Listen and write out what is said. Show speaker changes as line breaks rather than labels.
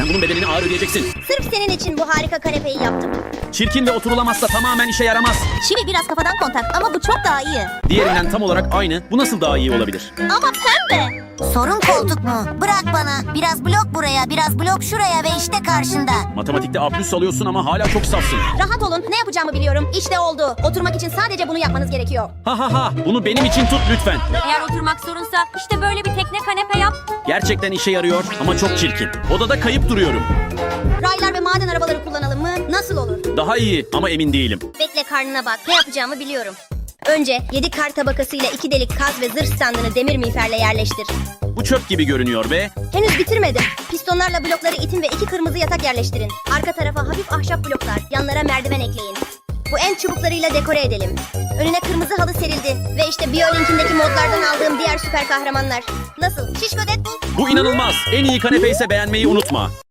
bunun bedelini ağır ödeyeceksin.
Sırf senin için bu harika kanepeyi yaptım.
Çirkin ve oturulamazsa tamamen işe yaramaz.
Çivi biraz kafadan kontak ama bu çok daha iyi.
Diğerinden tam olarak aynı. Bu nasıl daha iyi olabilir?
Ama pembe.
Sorun koltuk mu? Bırak bana. Biraz blok buraya, biraz blok şuraya ve işte karşında.
Matematikte A+ alıyorsun ama hala çok safsın.
Rahat olun, ne yapacağımı biliyorum. İşte oldu. Oturmak için sadece bunu yapmanız gerekiyor.
Ha ha ha. Bunu benim için tut lütfen.
Eğer oturmak sorunsa işte böyle bir tekne kanepe yap.
Gerçekten işe yarıyor ama çok çirkin. Odada kayıp duruyorum.
Raylar ve maden arabaları kullanalım mı? Nasıl olur?
Daha iyi ama emin değilim.
Bekle, karnına bak. Ne yapacağımı biliyorum. Önce 7 kar tabakasıyla 2 delik kaz ve zırh standını demir miğferle yerleştir.
Bu çöp gibi görünüyor ve
Henüz bitirmedim. Pistonlarla blokları itin ve 2 kırmızı yatak yerleştirin. Arka tarafa hafif ahşap bloklar, yanlara merdiven ekleyin. Bu en çubuklarıyla dekore edelim. Önüne kırmızı halı serildi. Ve işte BioLink'indeki modlardan aldığım diğer süper kahramanlar. Nasıl? Şişko Deadpool?
bu inanılmaz. En iyi kanepe ise beğenmeyi unutma.